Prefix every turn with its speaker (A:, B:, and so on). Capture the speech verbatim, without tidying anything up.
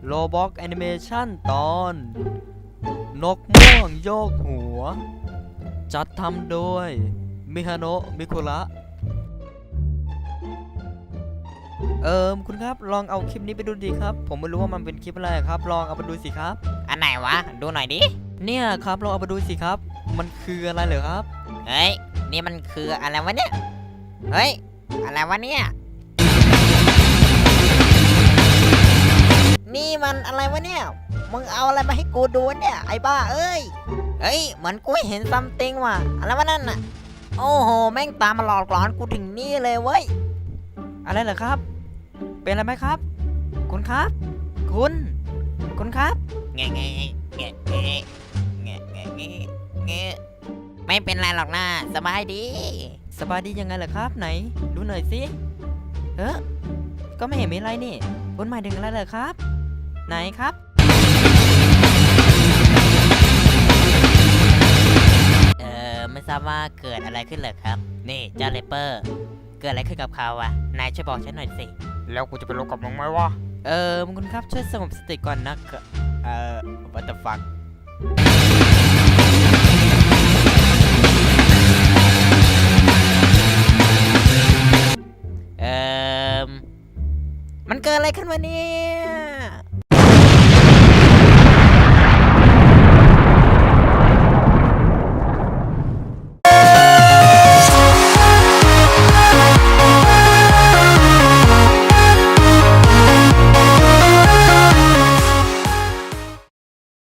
A: โลบ็อกแอนิเมชันตอน นกม่วงโยกหัว จัดทำโดย มิฮาโนะมิคุระ เอิมคุณครับลองเอาคลิปนี้ไปดูดีครับ ผมไม่รู้ว่ามันเป็นคลิปอะไรครับ ลองเอาไปดูสิครับ
B: อันไหนวะ ดูหน่อยดิ
A: เนี่ยครับลองเอาไปดูสิครับ มันคืออะไรเหรอครับ
B: เฮ้ย นี่มันคืออะไรวะเนี่ย เฮ้ย อะไรวะเนี่ย นี่มันอะไรวะเนี่ย มึงเอาอะไรมาให้กูดูเนี่ย ไอ้บ้าเอ้ย เฮ้ย เหมือนกูเห็นซัมติงว่ะ อะไรวะนั่นน่ะ โอ้โห แม่งตามมาหลอกหลอนกูถึงนี่เลยเว้ย
A: อะไรเหรอครับ เป็นอะไรไหมครับ คุณครับ คุณ คุณครับ
B: เงี้ยเงี้ยเงี้ยเงี้ยเงี้ยเงี้ยเงี้ยเงี้ยไม่เป็นไรหรอกนะสบายดี
A: สบายดียังไงเหรอครับไหนดูหน่อยสิเออก็ไม่เห็นมีอะไรนี่คุณหมายถึงอะไรเหรอครับ ไหนครับ
B: เออไม่ทราบว่าเกิดอะไรขึ้นเหรอครับ นี่เจ้าเลเปอร์ เกิดอะไรขึ้นกับเขาวะ นายช่วยบอกฉันหน่อยสิ
C: แล้วกูจะไปรู้กับมึงไหมวะ
A: เออคุณครับช่วยสงบสติก่อนนะ
C: เอ่อ what the fuck
B: เออมันเกิดอะไรขึ้นวะเนี่